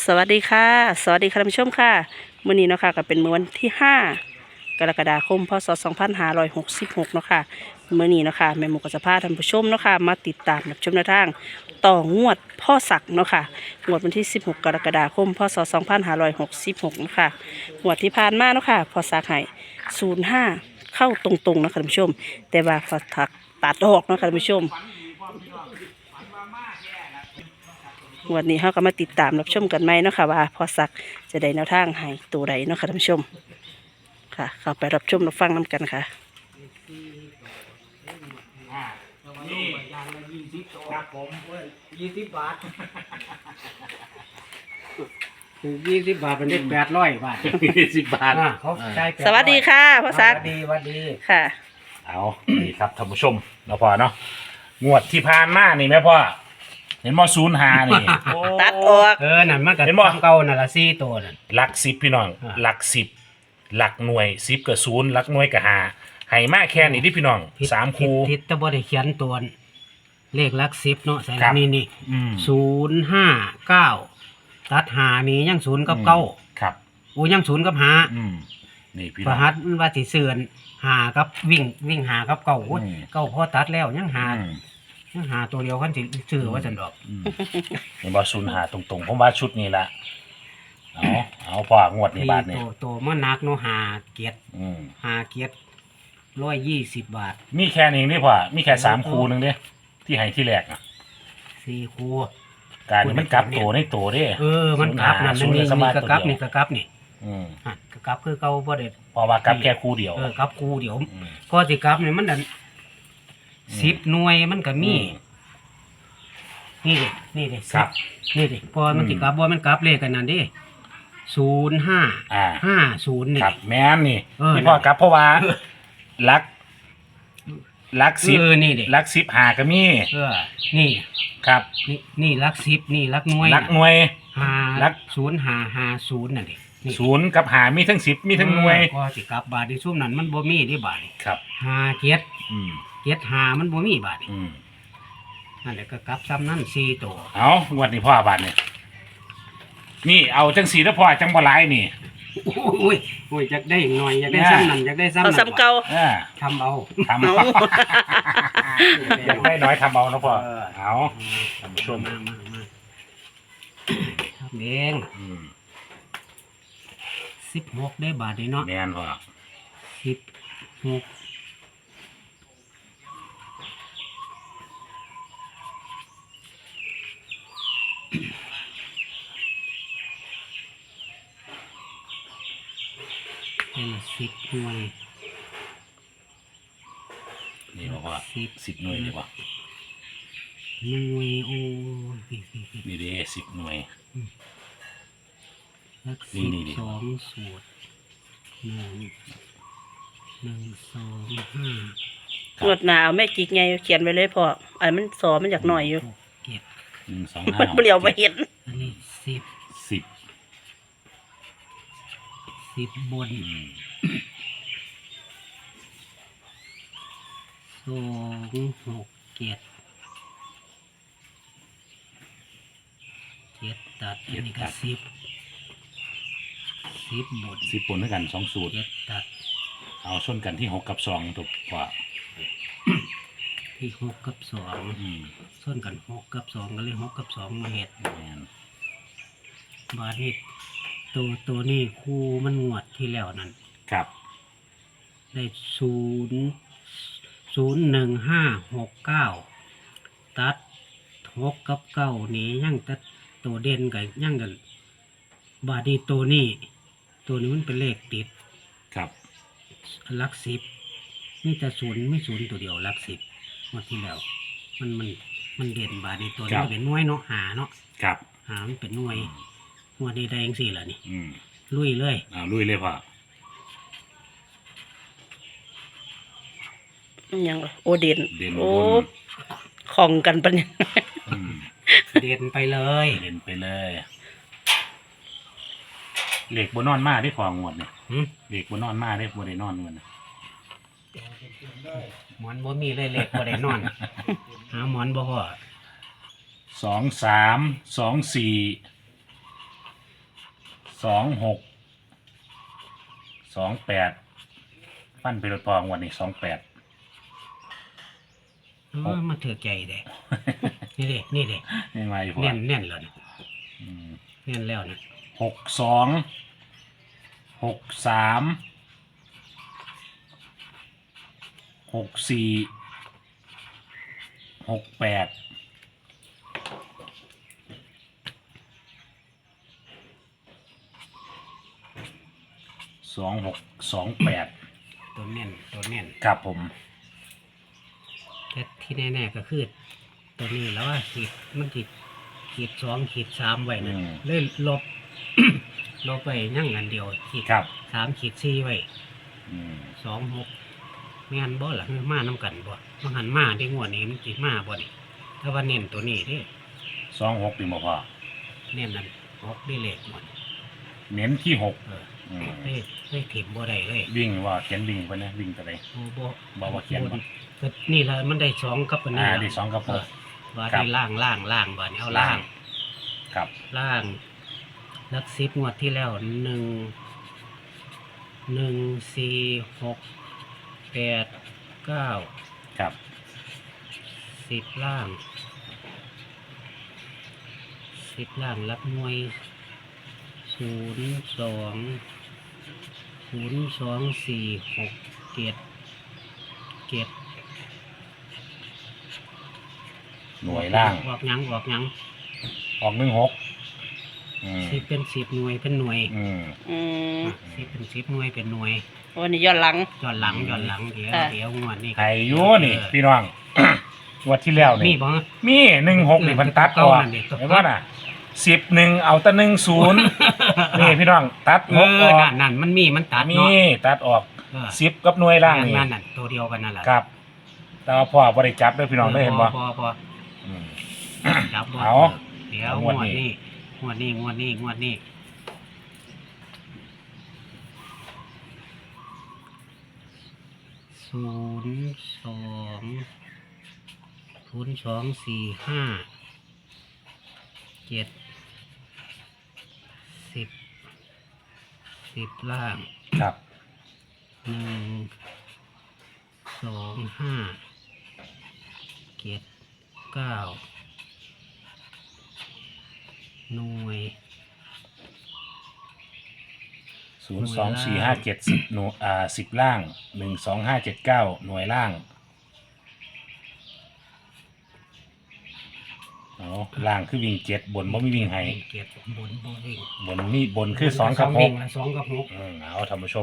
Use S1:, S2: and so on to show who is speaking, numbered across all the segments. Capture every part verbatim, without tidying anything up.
S1: สวัสดีค่ะสวัสดีค่ะท่านผู้ชมค่ะมื้อนี้เนาะค่ะก็เป็นมื้อวันที่ห้ากรกฎาคมพศสองพันห้าร้อยหกสิบหกเนาะค่ะมื้อนี้เนาะค่ะแม่หมูก็จะพาท่านผู้ชมเนาะค่ะมาติดตามรับชมแนวทางต่องวดพ่อศักดิ์เนาะค่ะงวดวันที่สิบหกกรกฎาคมพศสองพันห้าร้อยหกสิบหกเนาะค่ะงวดที่ผ่านมาเนาะค่ะพ่อศักดิ์ให้ศูนย์ห้าเข้าตรงๆเนาะค่ะท่านผู้ชมแต่ว่าพ่อศักดิ์ตัดออกเนาะค่ะท่านผู้ชม วันนี้เขาก็มาติดตามรับชมกันไหมเนาะค่ะว่าพอสักจะได้แนวทางให้ตัวใดเนาะค่ะท่านผู้ชมค่ะ เข้าไปรับชมรับฟังน้ำกันค่ะ
S2: นี่ครับผมยี่สิบบาทถูกยี่สิบบาทเป็นได้แปดร้อยบาท
S3: ยี่สิบบาท
S2: เขาใช้
S1: สวัสดีค่ะพอสัก
S2: สวัสดีสวัสดี
S1: ค่ะ
S3: เอานี่ครับท่านผู้ชมเนาะพ่อเนาะงวดที่ผ่านมานี่แม่พ่อเห็นมอศูนย์หานี่
S1: ตัดออก
S2: เออนั่นมันก็
S3: เห็นบ่
S2: ทำเก่านั่นละสี่ตัวนั่น
S3: หลักสิบพี่น้อง
S2: อ่า
S3: หลักสิบหลักหน่วยสิบกับศูนย์หลักหน่วยกับหาให้มาแค่นี้ที่พี่น้องสามคู
S2: ทิศตะบได้เขียนตัวเลขหลักสิบเนาะใส่
S3: ครับ
S2: นี่นี่
S3: อืม
S2: ศูนย์ห้าเก้าตัดหานี่ยังศูนย์กับเก้า
S3: ครับ
S2: โอ้ยังศูนย์กับหา
S3: อืมนี่พี่
S2: ป
S3: น้อ
S2: ระ
S3: ง
S2: หัตมันว่าสิเสื่อนหากับวิ่งวิ่งหากับเก้าโอ้ย
S3: อืม
S2: เก้าพอตัดแล้วยังหา
S3: อืม
S2: ยังหาตัวเดียวคันสิซื้อว่าจันดอก
S3: อืมเห็นมอศูนย์หาตรงๆผมว่าชุดนี้ละเอาเอาพ่องวดนี้บาทนี่
S2: ตัวตัวมันนักเนาะหาเกียรติ
S3: อืม
S2: หาเกียรติร้อยยี่สิบบาท
S3: มีแค่นี้นี่พ่อมีแค่สามคูหนึงเด้ที่ให้ที่แรกอ่ะ
S2: สี่ครู
S3: การนี่มันกลับตัวในตัวเด้
S2: เออมันกลับนั่น
S3: ศู
S2: นี่
S3: นย์หาศูนย์
S2: นี่
S3: เลยส
S2: ก
S3: มา
S2: ระ
S3: ร์ท
S2: กลับ
S3: ตัวเดียว
S2: นี่กระกลับนี่
S3: อืม
S2: อ่ะกระกลับคือเก่าบ่ได้
S3: เพอว่ากลับแค่คู่เดียว
S2: เออกลับครูเดี๋ยว
S3: อืม
S2: พอสิกลับนี่มันดันสิบหน่วยมันก็มี
S3: อืม
S2: นี่ดินี่ดิ
S3: ครับ
S2: นี่ดิพอมันสิกลับบ่มันกลับเลขกันนั่นดิศูนย์ห้า
S3: อ่า
S2: ห้าศูนย์นี่
S3: ครับแม่นนี่
S2: เออ
S3: ที่พ่อกลับเพราะว่าลักลักสิบ
S2: เออนี่ดิ
S3: ลักสิบหาก็มี
S2: เออนี่
S3: ครับ
S2: นี่นี่ลักสิบนี่ลักหน่วย
S3: ลักหน่วย
S2: หา
S3: ลัก
S2: ศูนย์หาหาศูนย์นั่นดินี่
S3: ศูนย์กับหามีทั้งสิบมีทั้งหน่วย
S2: เออพอสิกลับบาทที่ซุ่มนั้นมันบ่มีที่บาทนี่
S3: ครับ
S2: หาเจ็ด
S3: อืม
S2: เจ็ดหามันบ่มีบาทนี่
S3: อืม
S2: นั่นแหละก็กลับซ้ำนั่นสี่ตัว
S3: เอางวดนี้พ่อบาทเนี่ยนี่เอาจังสีแล้วพ่อจังบ่หลายนี่
S2: โอ้ยโอ้ยอยากได้หน่อยอยากได้
S3: เนี่ย
S2: ซ้ำนั่นอยากได้ซ้ำ
S1: เอา
S2: นั่น
S1: ซ้ำเก่า
S3: อ่า
S2: ทำเอา
S3: ทำ
S1: เอา
S3: อยากได้น้อยทำเอานะพ่อ
S2: เออ
S3: เอาท่านผู้ชม
S2: มามามาทำเอง
S3: อืม
S2: สิบหกได้บาทนี่เนาะ
S3: แม่นพ่อ
S2: สิบหกเป็นสิบหน่วย
S3: นี่บอกว่า
S2: สิบ
S3: สิบหน่วยเลยป่ะ
S2: หน่วยโอ้ยสิสิสิ
S3: นี่เด้สิบหน่วย
S2: ลัก
S3: นี่
S2: สิบ
S3: นี่นี่
S2: สองสูตรหนึ่งหนึ่งสองห้าง
S1: วดหนาวแม่กิ๊กไงเขียนไว้เลยพ่ออันมันสอมันอยากหน่อยอยู่
S2: หกเจ็ด
S3: หนึ่งสอง
S1: มั
S3: ห้าน
S1: เปลี่ยวไปเห็น
S2: อันนี้สิบ
S3: สิบ
S2: สิบบน
S3: อืม
S2: สองหกเจ็ดเจ็ดตัดอันนี้ก็สิบสิบบน
S3: สิบปนด้วยกันสองสูตร
S2: เจ็ดตัด
S3: เอาชนกันที่หกกับสองถูกกว่า
S2: ที่หกกับสอง
S3: อืม
S2: ส่วนกันหกกับสองก็เลยหกกับสองมาเห็ด
S3: แม่น
S2: บาทนี่ตัวตัวนี้คู่มันงวดที่แล้วนั่น
S3: ครับ
S2: ได้ศูนย์ศูนย์หนึ่งห้าหกเก้าตัดหกกับเก้านี่ยังตัดตัวเด่นกับยังกันบาทนี้ตัวนี้ ตัวนี้มันเป็นเลขติด
S3: ครับ
S2: หลักสิบนี่แต่ศูนย์ไม่ศูนย์ตัวเดียวหลักสิบงวดที่แล้ว มันมันมันเด่นบาทนี้ตัวนี้เป็นหน่วยเนาะหาเนาะ
S3: ครับ
S2: หามันเป็นหน่วยงวดนี้ได้ยังสี่ละนี่
S3: อืม
S2: ลุยเลย
S3: เอาลุยเลยพ่อ
S1: มันยังโอเด่น
S3: เด่น
S1: โอ้
S3: บน
S1: ของกันปะเนี่ย
S3: อืม
S2: เด่นไปเลย
S3: เด่นไปเลยเหล็กบนนอนมาได้พองวดเนี่ย
S2: หึ
S3: เหล็กบนนอนมาได้บนได้นอนเงินน่ะ
S2: หมอนบ่มีเลยเล็กบ่ได้นอน หาหมอนบ่พอ
S3: สองสามสองสี่สองหกสองแปดฟันไปรถพองวันนี้สองแปด
S2: เออมาถือใจเด้ นี่เด้นี่เด้
S3: ยังไงพ่อ
S2: แน่นแน่นแล้วนี่
S3: อืม
S2: แน่นแล้วนะ
S3: หกสองหกสามหกสี่หกแปดสองหกสองแปด
S2: ตัวแน่นตัวแน่น
S3: ครับผม
S2: แต่ที่แน่ๆก็คือตัวนี้แล้วว่าขีดมันขีดขีดสองขีดสามไว้นะ
S3: อืม
S2: เลยลบ ลบไปยั่งอันเดียวขีด
S3: ครับ
S2: สามขีดสี่ไว้
S3: อืม
S2: สองหกแม่นบ่ล่ะคือมาน้ำกันบ่มันหันมาได้งวดนี้มันสิมาบ่นี่ถ้าว่าเน้นตัวนี้เด้
S3: สองหกดีบ่พ่อ
S2: เน้นนั่นหกได้เลขหมด
S3: เน้นที่หก
S2: เออ
S3: อืม
S2: เฮ้ยเฮ้ยถิ่มบ่ได้เลย
S3: วิ่งว่าเขียนวิ่งไปนะวิ่งไปเลย
S2: โอ้บ่
S3: บอกว่าเขียนบ่
S2: ก็นี่ละมันได้สองกับอันนี้
S3: อ่า
S2: ล่ะ
S3: ดีสองกับ
S2: เอ
S3: ห
S2: อก ว่า
S3: ครับ
S2: ได้ล่างล่างล่างบ่นี่เอาล่าง
S3: ครับ
S2: ล่างลักสิบงวดที่แล้วหนึ่งหนึ่งสี่หกแปดเก้า
S3: ครับ
S2: สิบล่างสิบล่างรับหน่วยศูนย์สองศูนย์สองสี่หกเจ็ดเจ็ด
S3: หน่วยล่าง
S2: ออกหยังออกหยัง
S3: ออกหนึ่งหกอืม
S2: สิบเป็นสิบหน่วยเป็นหน่วย
S3: อืม
S1: อืม
S2: สิบเป็นสิบหน่วยเป็นหน่วย
S1: วันนี้ย้อนหลัง
S2: ย้อนหลังย้อนหลังเดี๋ยว
S1: อ่า
S2: เดี๋ยวงวดนี้
S3: ไอ้อยูนี่ พี่น้อง งวดที่แล้ว
S2: มี
S3: นี่
S2: บ่
S3: มีหนึ่งหกนี่เพันตัดอ
S2: เก้า
S3: อก
S2: นั่นดิ
S3: เห็นว่าน่ะสิบหนึ่งเอาแต่หนึ่งศูนย์ นี่พี่น้อง ตัด
S2: เอ
S3: หกอ
S2: อ
S3: อก
S2: นั่นนั่นมันมีมันตัด
S3: มี
S2: เนาะ
S3: ตัดออก
S2: เออ
S3: สิบกับหน่วยล่างนี่
S2: นั่นนั่นตัวเดียวกันนั่นแหละ
S3: ครับ แต่ว่าพ่อบริจับด้วยพี่น้องได้เห็นบ่
S2: พอพอ
S3: อืม
S2: จับบ่
S3: เอา
S2: เดี๋ยว
S3: เอา
S2: ง
S3: ง
S2: ว
S3: ว
S2: ด
S3: ดนี้
S2: นี้งวดนี้งวดนี้งวดนี้ศูนย์สองศูนย์สองสี่ห้าเจ็ดสิบสิบล่าง
S3: ครับ
S2: หนึ่งสองห้าเจ็ดเก้าหน่วย
S3: ศูนย์สองสี่ห้าเจ็ดสิบหน่วยอ่าสิบล่างหนึ่งสองห้าเจ็ดเก้าหน่วยล่างเอาล่างคือวิ่งเจ็ดบนบ่มีวิ่งให้
S2: เจ็ดบนบนวิ่ง
S3: บนมีบนคือสองกับห
S2: วิ่
S3: ก
S2: งละสองกับหก
S3: อืมเอาท่านผู้ชม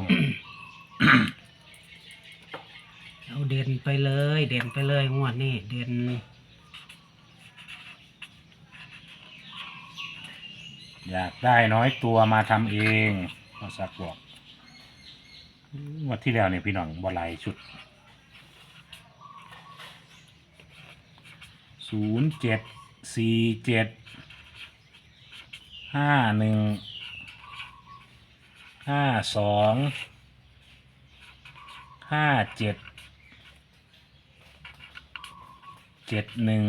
S2: เอาเด่นไปเลย เด่นไปเลยงวดนี้เด่น
S3: อยากได้น้อยตัวมาทำเองพอสักบอกงวันที่แล้วเนี่ยพี่น้องบอลายชุดศูนย์เจ็ดสี่เจ็ดห้าหนึ่งห้าสองห้าเจ็ดเจ็ดหนึ่ง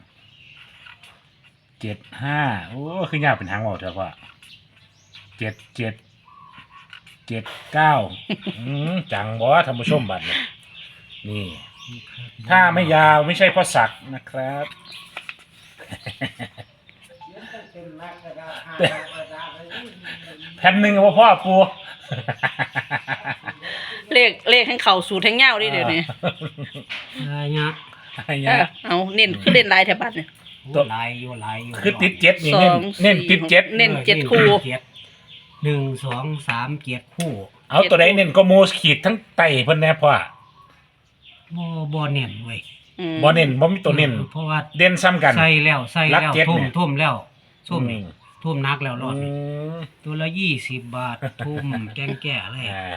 S3: เจ็ดห้าโอ้คือยากเป็นทางออกเถอะพ่อเจ็ดเจ็ดเจ็ดเก้าอืมจังบอท่านผู้ชมบัตรเนี่ยนี่ ถ้าไม่ยาวไม่ใช่เพ่อสักนะครับ แผ่นหนึ่งเอาพ่อปู
S1: เลขเลขให้เข่าสูตรทั้งเงาดิเดี๋ยวนี้
S2: อะไรเงี้ย
S3: อะไร
S1: เอ
S3: เงี้
S1: อย เอาเน้นคือเล่นลายแถวบ้านเนี่ย
S2: โอ้ลายอยู่ลายอยู่
S3: คือติดเจ็ดนี่
S1: ส
S3: เน้
S1: อน ง
S3: เน้น
S1: สี่
S3: ติดเจ็ด
S1: เน้น
S2: ออ
S1: เจ็ดคู่
S2: เจ็ดหนึ่งสองสามเจ็ดคู่
S3: เอาตัวใดเน้นก็โมสขีดทั้งไตเพิ่นแน่พ่อ
S2: บ่บ่เน้นเว้ย
S1: อืม
S3: บ่เน้นบ่มีตัวเน้น
S2: เพราะว่า
S3: เด่นซ้ำกัน
S2: ใส่แล้วใส่
S3: รัก
S2: แล้ว
S3: เจ็ด
S2: ทุ่ม
S3: เนี่ย
S2: ทุ่มแล้วทุ่มนี่
S3: อืม
S2: ทุ่มนักแล้วรอด
S3: อื
S2: นี่
S3: ม
S2: ตัวละยี่สิบบาท ทุ่มแกงแก่เลย
S3: อ่า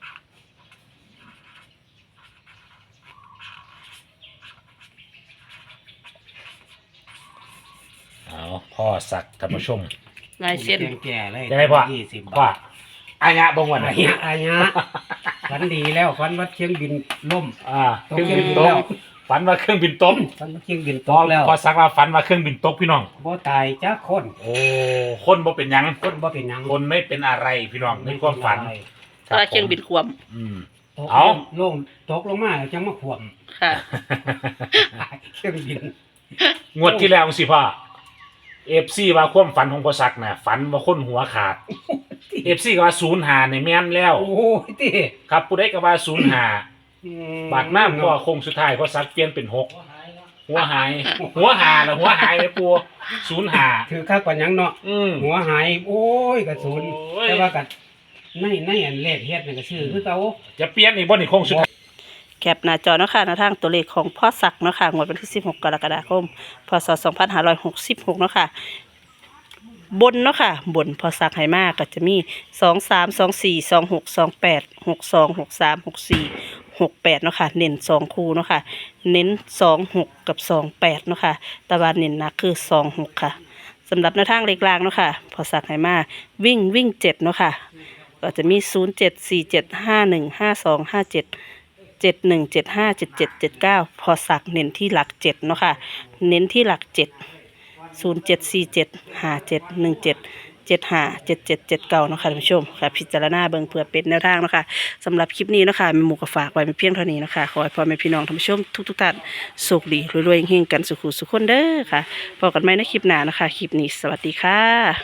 S3: เอาพ่อสักท่านผู้ชม
S1: ลายเส้น
S2: แกงแก่เลย
S3: ยังไงพ่อ
S2: ยี่สิบ
S3: พ่อบ
S2: าท
S3: อายะบงวันไหน
S2: อันเนี้ยอันเนี้ยฝันดีแล้วฝันว่าเชียงบินล่ม
S3: อ่า
S2: ตก
S3: เครื่องบิน
S2: เครื่องบิน
S3: ต
S2: แล้ว
S3: กฝัฝันว่าเครื่องบินตก
S2: ฝันว่าเครื่องบินต
S3: พอก
S2: แล้ว
S3: พอสักว่าฝันว่าเครื่องบินตกพี่น้อง
S2: บ่ตายจักคน
S3: โอ้คนบ่เป็นหยัง
S2: คนบ่เป็นหยัง
S3: คนไม่เป็นอะไรพี่น้องในความฝัน
S1: เพราะว่าเครื่องบินควม
S3: อืม
S2: ตก
S3: เอา
S2: ลงตกลงมาแล้วจังมาขวม
S1: ค่ะ
S2: เครื่องบิน
S3: งวดที่แล้วสิพ่อเอฟซีว่าความฝันของพ่อสักน่ะฝันว่าคนหัวขาดเอฟซีก็ว่าศูนย์หาในแม่นแล้ว
S2: โอ้ยติ
S3: ครับผู้ใดก็ว่าศูนย์หา
S2: อืม
S3: บาดน้ำพ่อคงสุดท้ายพ่อสักเปลี่ยนเป็นหกหัวหาย หัวหาแล้วหัวหายไปปูศูนย์หา
S2: ถือคักกว่าหยังเนาะ
S3: อืม
S2: หัวหายโอ้ยกระสุน
S3: โอ้ย
S2: แต่ว่ากัในในอันเลขเฮ็ดนี่ก็ชื่อคือเก่า
S3: จะเปลี่ยนอีกบ่นี่คงสุดท้าย
S1: แคปหน้าจอเนาะค่ะแนวทางตัวเลขของพ่อศักดิ์เนาะค่ะงวดวันที่สิบหกกรกฎาคมพศสองพันห้าร้อยหกสิบหกเนาะค่ะบนเนาะค่ะบนพ่อศักดิ์ให้มากก็จะมีสองสามสองสี่สองหกสองแปดหกสองหกสามหกสี่หกแปดเนาะค่ะเน้นสองคู่เนาะค่ะเน้นสองหกกับสองแปดเนาะค่ะแตะวันเน้นหนักคือสองหกค่ะสำหรับแนวทางเลขล่างเนาะค่ะพ่อศักดิ์ให้มาวิ่งวิ่งเจ็ดเนาะค่ะก็จะมีศูนย์เจ็ดสี่เจ็ดห้าหนึ่งห้าสองห้าเจ็ด เจ็ดหนึ่งเจ็ดห้าเจ็ดเจ็ดเจ็ดเก้าพอสักเน้นที่หลักเจ็ดเนาะค่ะเน้นที่หลักเจ็ดศูนย์เจ็ดสี่เจ็ดห้าเจ็ดหนึ่งเจ็ดเจ็ดห้าเจ็ดเจ็ดเจ็ดเก้าเนาะค่ะท่านผู้ชมค่ะพิจารณาเบิ่งเพื่อเป็นแนวทางเนาะค่ะสำหรับคลิปนี้เนาะค่ะแม่หมูก็ฝากไว้เป็นเพียงเท่านี้เนาะค่ะขอให้พ่อแม่พี่น้องท่านผู้ชมทุกทุกๆท่านสุขดีรวยๆเฮงๆกันสุขุสุขคนเด้อค่ะพบกันใหม่ในคลิปหน้านะคะคลิปนี้สวัสดีค่ะ